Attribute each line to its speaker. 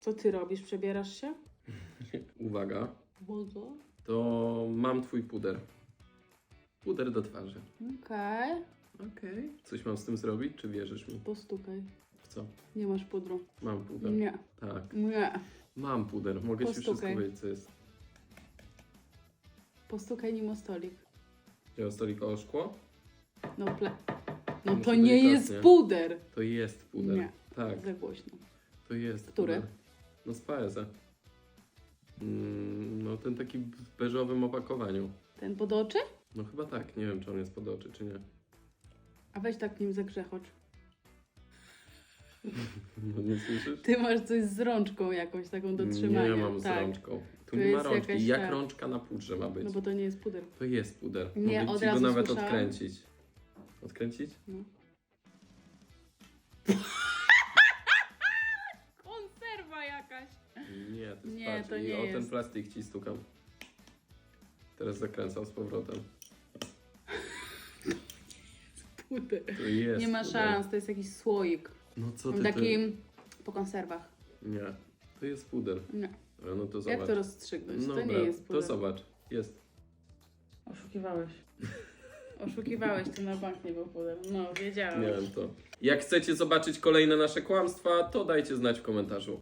Speaker 1: Co ty robisz? Przebierasz się?
Speaker 2: Uwaga,
Speaker 1: Bogo.
Speaker 2: to mam twój puder. Puder do twarzy.
Speaker 1: Okej.
Speaker 2: Okej. Coś mam z tym zrobić, czy wierzysz mi?
Speaker 1: Postukaj.
Speaker 2: W co?
Speaker 1: Nie masz pudru.
Speaker 2: Mam puder.
Speaker 1: Nie.
Speaker 2: Tak.
Speaker 1: Nie.
Speaker 2: Mam puder. Mogę ci wszystko
Speaker 1: Postukaj.
Speaker 2: powiedzieć, co jest.
Speaker 1: Postukaj nim o stolik.
Speaker 2: Wziąłem stolik o szkło?
Speaker 1: No
Speaker 2: Muszę
Speaker 1: to nie jest
Speaker 2: delikatnie.
Speaker 1: puder.
Speaker 2: To jest puder.
Speaker 1: Nie.
Speaker 2: Tak,
Speaker 1: Za głośno.
Speaker 2: to jest
Speaker 1: Który?
Speaker 2: puder. No z Paesa. No ten taki w beżowym opakowaniu.
Speaker 1: Ten pod oczy?
Speaker 2: No chyba tak. Nie wiem, czy on jest pod oczy, czy nie.
Speaker 1: A weź tak nim zagrzechocz.
Speaker 2: No nie słyszysz?
Speaker 1: Ty masz coś z rączką jakąś taką do trzymania.
Speaker 2: Nie mam z
Speaker 1: tak.
Speaker 2: rączką. Tu
Speaker 1: To
Speaker 2: nie ma
Speaker 1: jest
Speaker 2: rączki.
Speaker 1: jakaś
Speaker 2: Jak
Speaker 1: ta-
Speaker 2: rączka na pudrze ma być?
Speaker 1: No bo to nie jest puder.
Speaker 2: To jest puder.
Speaker 1: Nie,
Speaker 2: Mogę
Speaker 1: od
Speaker 2: ci go
Speaker 1: razu
Speaker 2: nawet
Speaker 1: słyszałam.
Speaker 2: odkręcić. Odkręcić?
Speaker 1: No. Konserwa jakaś.
Speaker 2: Nie, to jest
Speaker 1: Nie,
Speaker 2: patrz,
Speaker 1: to
Speaker 2: i
Speaker 1: nie
Speaker 2: o ten
Speaker 1: jest.
Speaker 2: plastik ci stukam. Teraz zakręcam z powrotem.
Speaker 1: Puder.
Speaker 2: To jest
Speaker 1: Nie ma
Speaker 2: puder.
Speaker 1: szans, to jest jakiś słoik.
Speaker 2: No co ty
Speaker 1: Taki po konserwach.
Speaker 2: Nie, to jest puder.
Speaker 1: Nie.
Speaker 2: No to zobacz.
Speaker 1: Jak to rozstrzygnąć?
Speaker 2: No
Speaker 1: To nie
Speaker 2: dobra,
Speaker 1: jest puder.
Speaker 2: to zobacz. Jest.
Speaker 1: Oszukiwałeś. Oszukiwałeś, to na bank nie był puder. No, wiedziałam.
Speaker 2: Nie wiem to. Jak chcecie zobaczyć kolejne nasze kłamstwa, to dajcie znać w komentarzu.